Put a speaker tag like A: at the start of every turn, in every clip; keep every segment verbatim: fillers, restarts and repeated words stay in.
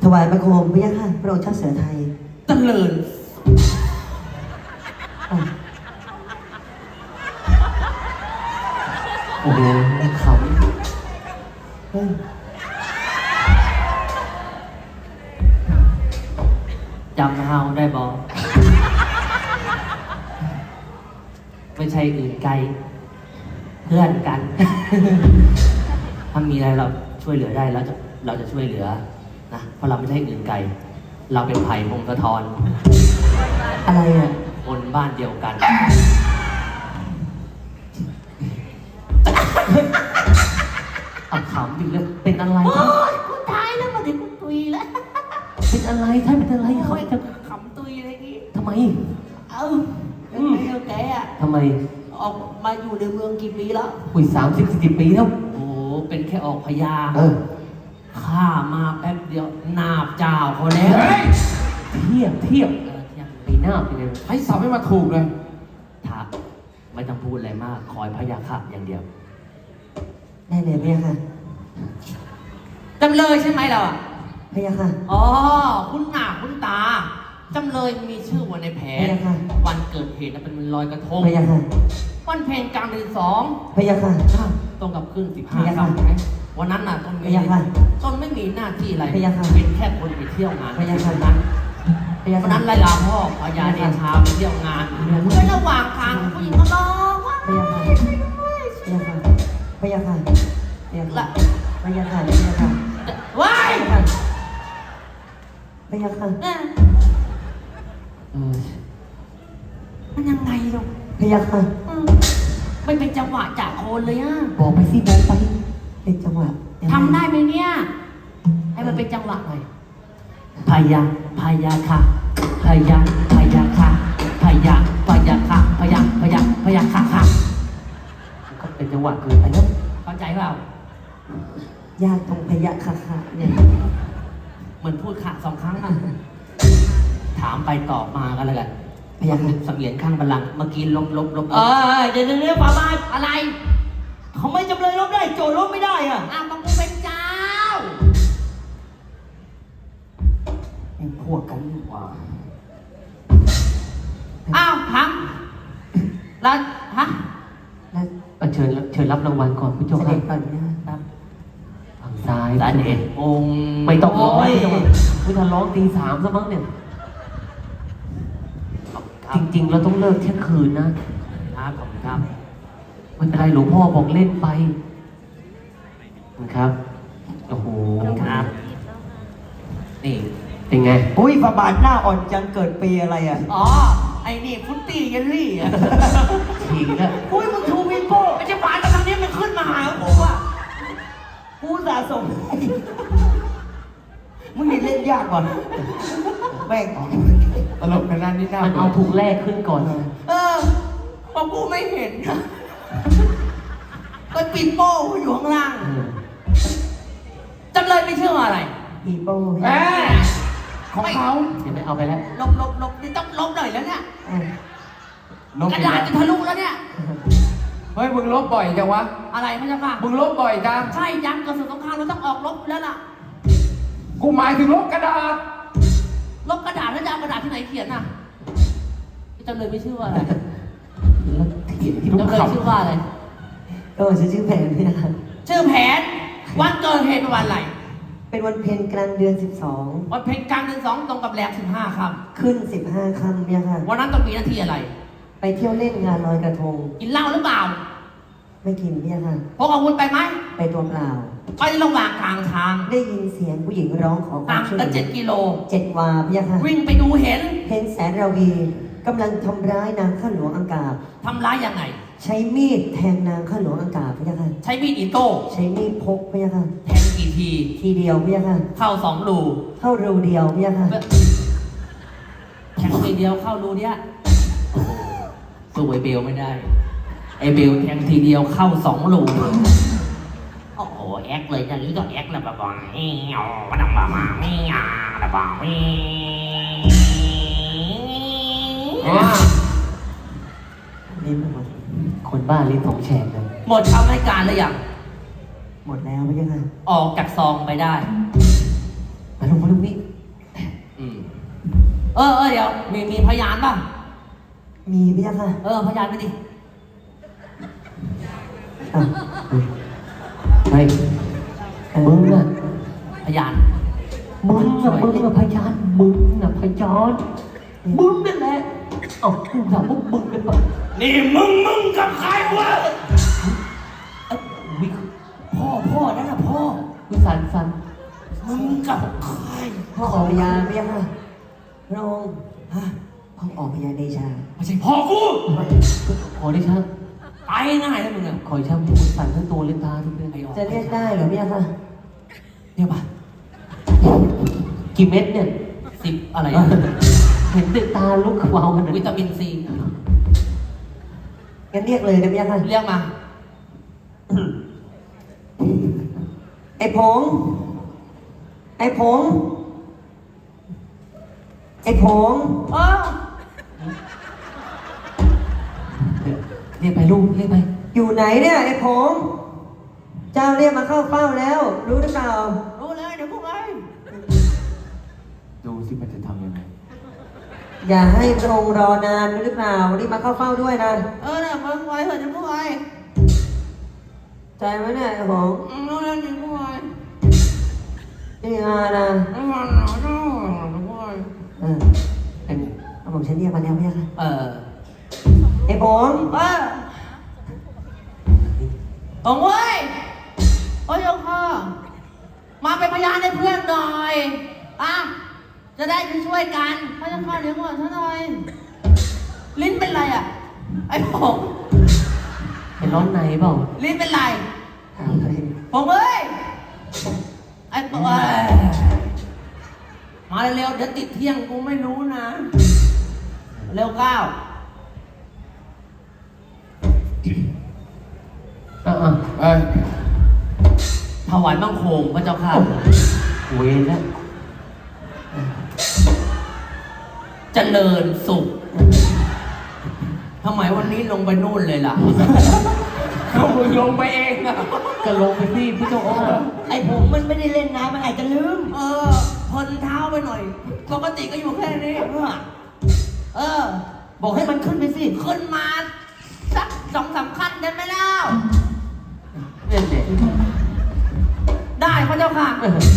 A: ถวายบังคมพระยาค่ะพระองค์เจ้าเสือไทย
B: เจริญ
A: โอ้โหขำ
B: จำเฮาได้บอไม่ใช่อื่นไกลเพื่อนกัน ถ้ามีอะไรเราช่วยเหลือได้เราจะเราจะช่วยเหลือนะเพราะเราไม่ใช่อื่นไกลเราเป็นไผ่พงศธร
A: อะไรอ่ะ
B: คนบ้านเดียวกันอับขำอยู่เลยเป็นอะไรโอ้ยกูตายแล้วมาถึงกูตุยแล้วเป็นอะไรท่านเป็นอะไรเขาจะขำตุยอะไรงี้ทำไมเอ้าเป็นไงเอาแกอ่ะทำไมออกมาอยู่ในเมืองกี่ปีแล้วอุ้ยสามสิบสี่สิบปีแล้วโอ้เป็นแค่ออกพยาเออข้ามาแป๊บเดียวนาบเจ้าเขาแล้วเทียบเทียบเทียบปีหน้าไปเลยให้สอบให้มาถูกเลยถ้าไม่ต้องพูดอะไรมากคอยพยาค่ะอย่างเดียว
A: ได้เลยพระยาค่ะ
B: จำเลยใช่ไหมเราอ่ะ
A: พระยาค่ะ
B: อ๋อคุณหน้าคุณตาจำเลยมีชื่อวันในแผนวันเกิดเหตุนั้นเป็นวันลอยกระทง
A: พระยาค่ะ
B: วันเพลงกลางเดือนสอง
A: พระยาค่ะ
B: ตรงกับขึ้นสิบห้าค่ำวันนั้นน่ะต้นมีต้นไม่มีหน้าที่อะไรเป็นแค่คนไปเที่ยวงาน
A: พระยาค่ะ
B: นั้นวันนั้นไล่ลาพ่อพญาเดชาไปเที่ยวงานเมื่อระหว่างทางผู้หญิงก็ร้องว่า
A: พระยาค่ะพระยาค่ะพระยาค่ะพระยาค่ะพระยาค่ะพระยาค่ะ
B: ว้าย
A: พระยาค่ะ
B: มันยังไงลูก
A: พระยาค่ะ
B: ไม่เป็นจังหวะจากโคนเลยอ่ะ
A: บอกไปสิบอกไปเป็นจังหวะ
B: ทำได้ไหมเนี่ยให้มันเป็นจังหวะหน่อยพยาพยาค่ะพยาพยาค่ะพยาพยาค่ะพยาพยาพยาค่ะค่ะก็เป็นจังหวะเกินไปแล้วเข้าใจเปล่
A: ายากตรงพยาค่ะค่ะเนี่ย
B: เหมือนพูดค่ะสองครั้งนะถามไปตอบมากันแล้วกัน
A: พยาค่ะ
B: เสมียนข้างบัลลังก์เมื่อกี้ลบลบลบเออเดี๋ยวเดี๋ยวป้าบ้าอะไรเขาไม่จำเลยลบได้โจลบไม่ได้อ่ะอ้าวมึงเป็นเจ้า
A: พวกกันดีกว่า
B: อ้าวทำแล้วฮะแล้วเชิญเชิญรับรางวัลก่อนผู้ชมครับ
A: ก่อนนะครับ
B: ฝั่งซ้ายด้านเอกองไม่ต้องร้อยผู้ชมร้องตีสามซะมั้งเนี่ยจริงๆเราต้องเลิกเที่ยงคืนนะครับขอบคุณครับไม่เป็นไรหลวงพ่อบอกเล่นไปครับโอ้โหครับนี่เป็นไง
A: อุ้ยฝาบาทหน้าอ่อนจังเกิดปีอะไรอ่ะ
B: อ๋อไอ้นี่ฟุตตี้เยลลี่อ่ะฉีกแล้วอุ้ยมึงชูวิโก้ไอ้เจ้าฝาตอนนี้มันขึ้นมาหาผมอ่ะ
A: กูสะสมมึงนี่เล่นยากก่อนแม่ง
B: ตลกขนาดนี้น่ามันเอาถูกแรกขึ้นก่อนเออพอกูไม่เห็นก็ปีโป้อยู่ข้างล่างจำเลยไม่เชื่ออะไร
A: ปีโป้
B: แหมของเขาเดี๋ยวไปเอาไปแล้วลบลบลบนี่ต้องลบหน่อยแล้วเนี่ยกระดาษจะทะลุแล้วเนี่ย
C: เฮ้ยมึงลบบ่อยจังวะ
B: อะไรพระเจ้าค่ะ
C: มึงลบบ่อยจัง
B: ใช่ยันกระสุนสงครามเราต้องออกลบแล้วล่ะ
C: กูหมายถึงลบกระดาษ
B: ลบกระดาษแล้วจะเอากระดาษที่ไหนเขียนน่ะจำเลยไม่ชื่อว่าอะไร
A: เขียนที่
B: จำเลยชื่อว่าอะไร
A: ก็ชื่อแผนนี่นะ
B: ชื่อแผนวันเกิดเหตุวันอะไร
A: เป็นวันเพ็ญกลางเดือนสิบสอง
B: วันเพ็ญกลางเดือนสองตรงกับแรมสิบห้าค่
A: ำขึ้นสิบห้าค่ำเนี่ยค่ะ
B: วันนั้นต้องมีหน้าที่อะไร
A: ไปเที่ยวเล่นงานลอยกระทง
B: กินเหล้าหรือเปล่า
A: ไม่กินเนี่ยค่ะ
B: พกอาวุธไปไหม
A: ไปตัวเปล่า
B: ไประหว่างกลางทาง
A: ได้ยินเสียงผู้หญิงร้องขอความช่วยเหลือ
B: เจ็ดกิโล
A: เจ็ดวาเนี่ยค่ะ
B: วิ่งไปดูเห็น
A: เห็นแสนราวีกำลังทำร้ายนางข้าหลวงอังกาบ
B: ทำร้ายยังไง
A: ใช้มีดแทงนางข้าหลวงอังกาบพี่ยะค่ะ
B: ใช้มีดอิโต้
A: ใช้มีดพกพี่ยะค่ะ
B: แทงกี่ที
A: ทีเดียวพี่ยะค่ะ
B: เข้าสองรู
A: เข้ารูเดียวพี่ยะค่ะ
B: แทงทีเดียวเข้ารูเนี้ยสู้ไอเบลไม่ได้ไอเบลแทงทีเดียวเข้าสองรูโอ้โหแอคเลยอย่างนี้ก็แอคแล้วแบบว่าเอ้ยมาดังมามาไม่อ่ะแบบว่าไม่
A: ลิ้นหมด
B: คนบ้าลิ้นของแฉกเลยหมดคำให้การหรือยัง
A: หมดแล้วพี่ยะค่ะ
B: ออกจากซองไปได้
A: มาล
B: งมาตรงนี้
C: อืม
B: เออเออเดี๋ยวมีมีพยานป่ะ
A: มีพยาค่ะ
B: เออพยานไปดิ
A: อ่ะ
B: เฮ้ย
A: เออ
B: มึงน่ะพยานมึงน่ะมึงน่ะพยานมึงน่ะพยานมึงนั่นแหละเอ้ากูถามพวกมึงกันปะ
C: นี่มึงมึงกับใครวะ
B: เอ้ยวิพ่อพ่อนั่นน่ะพ่อวิสันสันมึงกับใคร
A: พ่อออกพยานพยาค่ะพระองค์ฮะพ่อออกพยานเดชา
B: ไม่ใช่พ่อกูขอได้ช่างไปง่ายแล้วมึงอ่ะขอช่างที่มึงสั่นทั้งตัวเลยตาทุกเดือน
A: จะเรียกได้เหรอพยาค่ะ
B: เนี่ยป่ะกี่เม็ดเนี่ยสิบอะไรอะเห็นติดตาลุกวาวกันวิตามินซี
A: งั้นเรียกเลยนะพยาค่ะ
B: เรียกมา
A: ไอ้ผง ไอ้ผง ไอ้ผง
B: เออเรียกไปลูกเรียกไป
A: อยู่ไหนเนี่ยไอ้ผง เจ้าเรียกมาเข้าเฝ้าแล้ว รู้หรือเปล่า
B: รู้เลยเดี๋ยวพวกไอ้
C: ดูสิมันจะทำยังไง
A: อย่าให้พระองค์รอนานรู้หรือเปล่ารีบมาเข้าเฝ้าด้วยนะ
B: เออเนี่ยมึงไว้เถอะเดี๋ยวพวกไอ้
A: ใจไหมเนี่ยไอ้ผง
B: รู้แล้วเดี๋ยวพวกไอ้
A: นี่มานะ
B: ไม่มาหนาวเนาะเดี๋ยวพวกไอ้
A: เออเอาผมฉันเรียกมาแล้วพยาค่ะ
B: เออ
A: ไอ้ผง
B: เออตรงเว้ยโอ้ยโค่ะมาเป็นพยานให้เพื่อนหน่อยอ่ะจะได้ช่วยกันพระเจ้าข้าเลี้ยงก่อนฉันหน่อยลิ้นเป็นไรอ่ะไอ้ผมเป็นร้อนในเปล่าลิ้นเป็นไร
A: ถามใคร
B: ผมเอ้ยไอ้ตัวมาเร็วๆเดี๋ยวติดเที่ยงกูไม่รู้นะเร็วก้าวอ่ะ
C: เอ้ย
B: ถวายบังคมพระเจ้าค่ะเวรแล้วเจริญสุขทำไมวันนี้ลงไปนู่นเลยล่ะ
C: เขามึงลงไปเองอะ
B: ก็ลงไปที่พี่เจ้าค่ะ
A: ไอ้ผมมันไม่ได้เล่นน้ำมันอาจจะลืม
B: เออพนเท้าไปหน่อยปกติก็อยู่แค่นี้เออ
A: บอกให้มันขึ้นไปสิ
B: ขึ้นมาสักสองสามขั้นได้ไหมเล่าเนี่ยเด็กได้พระเจ้าค่ะ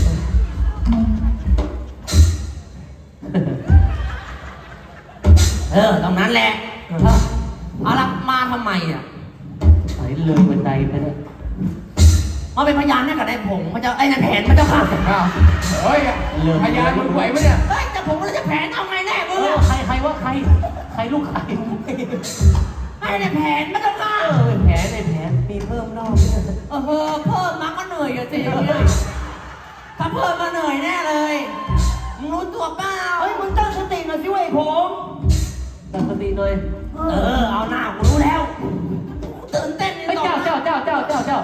B: เออตรงนั้นแหละเอาละมาทำไมอ่ะไปเลยบันไดไปเลยมาเป็นพยานให้กับนายผงพระเจ้าไอ้นายแผนพระเจ้าค่ะ
C: อ้าวเฮ้ยพยานมึงไหวไหมเนี่ย
B: เฮ้ยแต่ผมเราจะแผนเอาไงแน่มึงใครใครว่าใครใครลูกใครให้นายแผนพระเจ้าค่ะเออแผนในแผน
A: มีเพิ่มรอบด้วย
B: เออเพิ่มมาก็เหนื่อยอะสิอย่างเงี้ยถ้าเพิ่มมาเหนื่อยแน่เลยมึงรู้ตัวเปล่าเฮ้ยมึงตั้งสติหน่อยสิเว้ยผมตั้งสติหน่อยเออเอาหน้ากูรู้แล้วตื่นเต้นนี่เจ้าเจ้าเจ้าเจ้าเจ้าเจ้า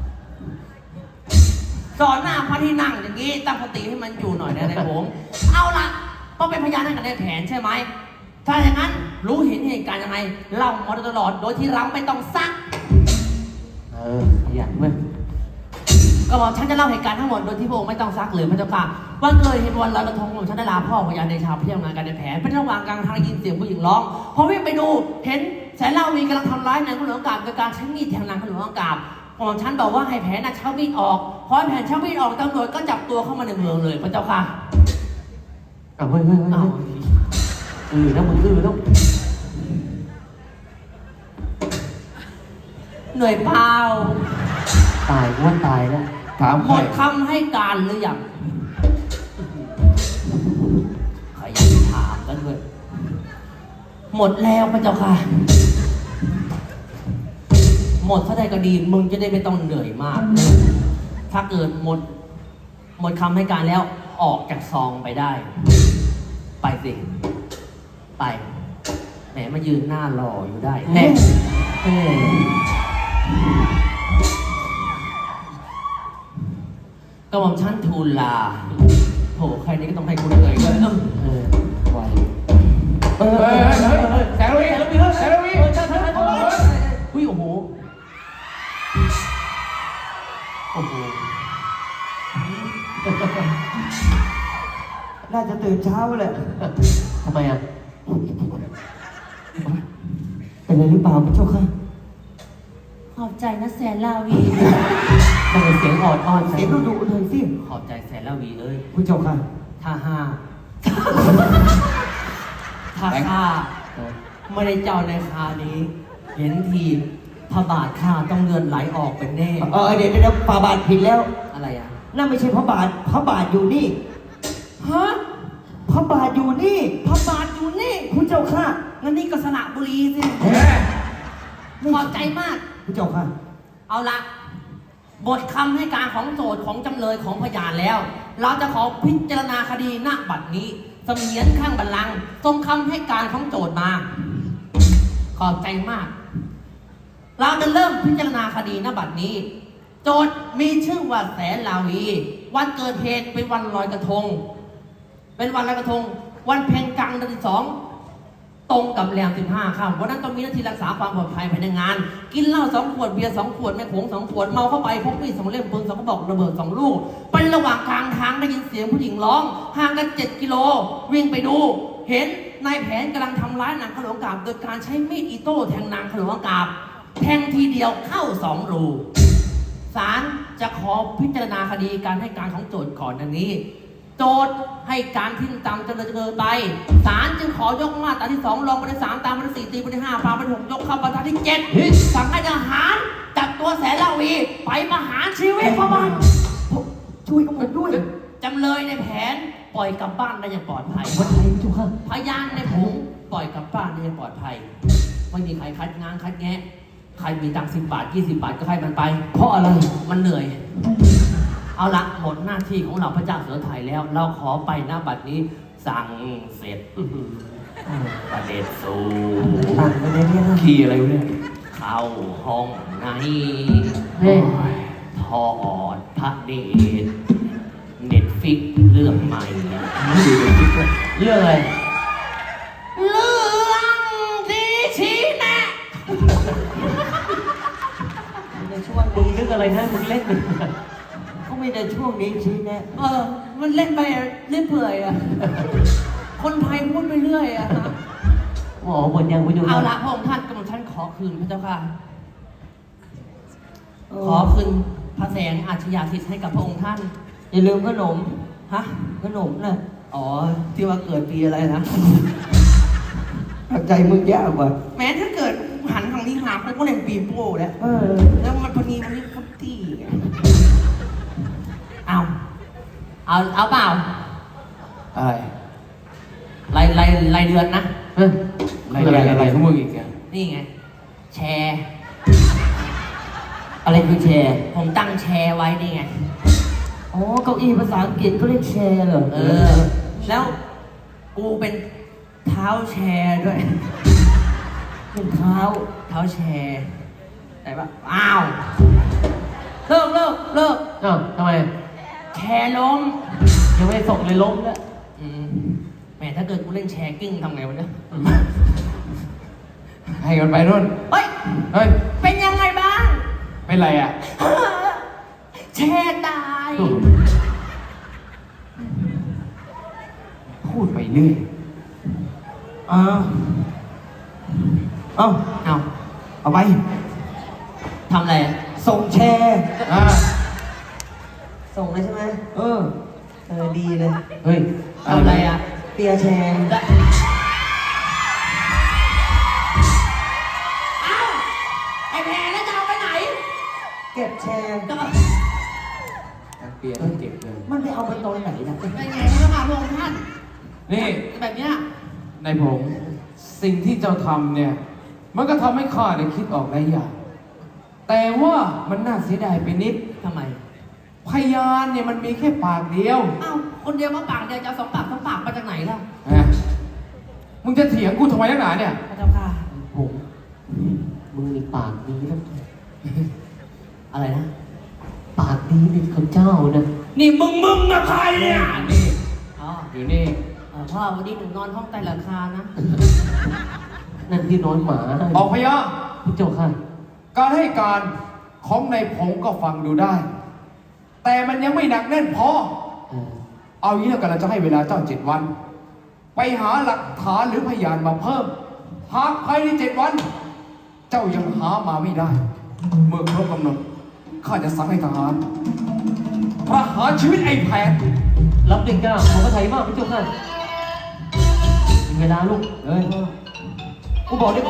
B: สอนหน้าพระที่นั่งอย่างนี้ตั้งสติให้มันอยู่หน่อยนะนายผมเอาล่ะต้องเป็นพยานให้กับนายแผนใช่ไหมถ้าอย่างนั้นรู้เห็นเหตุการณ์ยังไงเล่ามาตลอดโดยที่เราไม่ต้องซักเออขยันเว้ยก็บอกฉันจะเล่าเหตุการณ์ทั้งหมดโดยที่พระองค์ไม่ต้องซักเลยพระเจ้าค่ะวันเกิดเหตุวันลอยกระทงของฉันได้ลาพ่อพยานในชาวเที่ยวงานกันในแผนเป็นระหว่างกลางทางได้ยินเสียงผู้หญิงร้องพอวิ่งไปดูเห็นแสนเล่าวีกำลังทำร้ายนางขุนหลวงกาบโดยการใช้มีดแทงนางขุนหลวงกาบของฉันบอกว่าให้แผนน่ะเช่ามีดออกพอแผนเช่ามีดออกตำรวจก็จับตัวเข้ามาในเมืองเลยพระเจ้าค่ะอ้าวเฮ้ยเฮ้ยเฮ้ยอือแล้วมึงอือแล้วเหนื่อยเปล่าตายว่าตายแล้ว
C: ถาม
B: ห
C: ใค
B: ม
C: ร
B: ดคำให้การหรือยังขยันถามกันด้วยหมดแล้วพระเจ้าค่ะ หมดเท่าใดก็ดีมึงจะได้ไม่ต้องเหนื่อยมาก ถ้าเกิดหมด หมดคำให้การแล้วออกจากซองไปได้ ไปสิ ไปแหมมายืนหน้ารออยู่ได้แน่เอ้ยก็หม่อมชั้นทูลลาโหใครนี้ก็ต้องให้คุณเหนื่อยด้วยเออเออไหวเออ
C: เฮ้ยเฮ้ยเฮ้ยแสงระวีแสงระวีแสงระวี
B: เออใช่ใช่ใช่ใช่อุ้ยโอ้โหโอ้โห
A: น่าจะตื่นเช้าแหละ
B: ทำไมอ่ะ
A: เป็นอะไรหรือเปล่าพระเจ้าค่ะ
D: ขอบใจนะแสนลาวี
B: ทำไมเสียงอ่อนอ่อน
A: เสียงดุดุๆเลยสิ
B: ขอบใจแสนละวีเอ้ย
A: พระเจ้าค่ะ
B: ถ้าห้า ถ้าข้าไม่ได้เจ้าในคานี้ เห็นทีพระบาทข้าต้องเงินไหลออกเป็นแน่
A: เออเดี๋ยวเดี๋ยวพระบาทผิดแล้ว
B: อะไรอ่ะ
A: นั่นไม่ใช่พระบาทพระบาทอยู่นี่
B: ฮะ
A: พระบาทอยู่นี่
B: พระบาทอยู่นี่
A: พระเจ้าค่ะ
B: งั้นนี่ก็สระบุรีสิ ขอบใจมาก
A: พระเจ้าค่ะ
B: เอาละบทคำให้การของโจทย์ของจำเลยของพยานแล้ว เราจะขอพิจารณาคดีณบัดนี้เสมียนข้างบัลลังก์ทรงคำให้การของโจทย์มา ขอบใจมาก เราจะเริ่มพิจารณาคดีณบัดนี้ โจทย์มีชื่อว่าแสนลาวี วันเกิดเหตุเป็นวันลอยกระทง เป็นวันลอยกระทง วันเพ็ญกลางเดือนที่สองตรงกับแรมสิบห้าค่ำวันนั้นต้องมีหน้าที่รักษาความปลอดภัยภายในงาน กินเหล้าสองขวดเบียร์สองขวดแม่โขงสองขวดเมาเข้าไปพกมีดสองเล่มปืนสองกระบอกระเบิดสองลูกไประหว่างกลางทางได้ยินเสียงผู้หญิงร้องห่างกันเจ็ดกิโลวิ่งไปดู เห็นนายแผนกำลังทำร้ายนางขลวงกาบโดยการใช้มีดอิโต้แทงนางขลวงกาบแทงทีเดียวเข้าสองรูศาลจะขอพิจารณาคดีการให้การของโจทย์ก่อนดังนี้ โจทย์ให้การทิ้งตามจำเลยเกินไปศาลจึงขอยกมาตราที่สองรองมาตราที่สามตามมาตราสี่ตีมาตราที่ห้าปามาตราที่หกยกเข้ามาตราที่เจ็ดสั่งให้ทหารจับตัวแสนลาวีไปประหารชีวิตพระบาท
A: ช่วยกับผมด้วย
B: จำเลยในแผนปล่อยกลับบ้านได้อย่างปลอดภัย
A: วันไหนพระเจ้าค่ะ
B: พยานในผงปล่อยกลับบ้านได้อย่างปลอดภัยไม่มีใครคัดงานคัดแงะใครมีตังค์สิบบาทยี่สิบบาทก็ให้มันไป เพราะอะไรมันเหนื่อย เอาละหมดหน้าที่ของเราพระเจ้าเสือไทยแล้ว เราขอไปหน้าบัดนี้สั่งเสร็จอื้อหือประเด็ดสู
A: ต่างกันเลยเนี่ยนะ
C: ขี่อะไรวะเนี่ย
B: เข้าห้องใน
A: เฮ้
B: ทอดพระเดชเน็ตฟิกเรื่องใหม่
A: เรื่องอะไร
B: เรื่องดีชี้แนะ
A: ในช่วง
B: มึงนึกอะไรนะมึงเล่น
A: ก็ไม่ได้ช่วงนี้ชี้แนะ
B: เออ มันเล่นไปเล่นเปื่อยอ่ะ คนไทยพูดไปเรื่อยอ่ะ
A: หมอหมดยังไปดู
B: เอาละพระองค์ท่านกำลังท่านขอคืนพระเจ้าค่ะ ขอคืนพระแสงอาชญาสิทธิ์ให้กับพระองค์ท่าน
A: อย่าลืมขนม
B: ฮะ
A: ขนมนะ
B: อ๋อ ที่ว่าเกิดปีอะไรนะ
A: ใจมึงยากกว่า
B: แม้ถ้าเกิดหันทางนี้หาไปก็เล่นปีโป้แล้ว
A: เออ
B: แล้วมันพอดีมันนี่ฟุตตี้ไงเอา เอา เอาเปล่า
C: อะไร
B: รายรายรายเดือนนะ
C: เฮ้ยอะไรอะไรอะไรของมึงอีกอ่ะ
B: นี่ไง แชร์
A: อะไรคือแชร์
B: ผมตั้งแชร์ไว้นี่ไง
A: อ๋อ เก้าอี้ภาษาอังกฤษก็เรียกแชร์เหรอ
B: เออ แล้วกูเป็นเท้าแชร์ด้วย
A: เป็นเท้า
B: เท้าแชร์แต่ว่าอ้าวเลิกเลิกเลิก
C: อ้าวทำไม
B: แชร์ล้ม
C: ยังไม่ส่งเลยล้มแล้ว
B: อืมแหมถ้าเกิดกูเล่นแชร์กิ้งทำไงวะเนี่ย
C: ให้กันไปนู่น
B: เฮ้ย
C: เฮ้ย
B: เป็นยังไงบ้าง
C: เป็นไรอ่ะ
B: แชร์ตาย
C: พูดไปเรื่อย
A: อ้าวเอา
B: เอา
A: เอาไป
B: ทำอะไร
A: ส่งแชร์
C: อ่า
A: ส่งเลยใช่ไหมเออ เออ ดีเลย
C: เฮ้ย
B: ทำอะไรอ่ะ
A: เปียร์แชร์
B: เอ้าไอ้แพรแล้วจะเอาไปไหน
A: เก็บแชร์
B: ก็
C: ทั้งเปียทั้งเก็บเลย
A: มันไปเอาไปตอนไหนนะ
B: เป็นไงพระมหาพระองค์ท่าน
C: นี่
B: แบบเนี้ย
C: นายผงสิ่งที่เจ้าทำเนี่ย มันก็ทำให้ข้าได้คิดออกหลายอย่าง แต่ว่ามันน่าเสียดายไปนิด
B: ทำไม
C: พยานเนี่ยมันมีแค่ปากเดียว
B: เอ้าคนเดียวมาปากเดียวจะเอาสองปากสองปากมาจากไหนล่ะ
C: นะมึงจะเถียงกูทำไมนักหนาเนี่ย
B: พระเจ้าค่ะ
A: ผมมึงมีปากดีนะ
B: อะไรนะ
A: ปากดีเป็นข้าเจ้านะ
B: นี่มึงมึงนะใครเนี่ย
C: นี่
B: อ๋อ
C: อยู่นี่
B: เอ่อพ่อวันนี้หนูนอนห้องใต้หลังคานะ
A: นั่นที่นอนหมา
C: ออกพยาน
A: พี่เจ้าค่ะ
C: การให้การของนายผงก็ฟังดูได้ แต่มันยังไม่หนักแน่นพอ
A: เออ
C: เอางี้แล้วกันเราจะให้เวลาเจ้าเจ็ดวัน ไปหาหลักฐานหรือพยานมาเพิ่ม หากภายในเจ็ดวัน เจ้ายังหามาไม่ได้ เมื่อครบกำหนดข้าจะสั่งให้ทหารประหารชีวิตไอ้แผน
B: รับเด็กก้าขอพระไทยมากพระเจ้าค่ะถึงเวลาลูก
C: เฮ้ย
B: กูบอกได้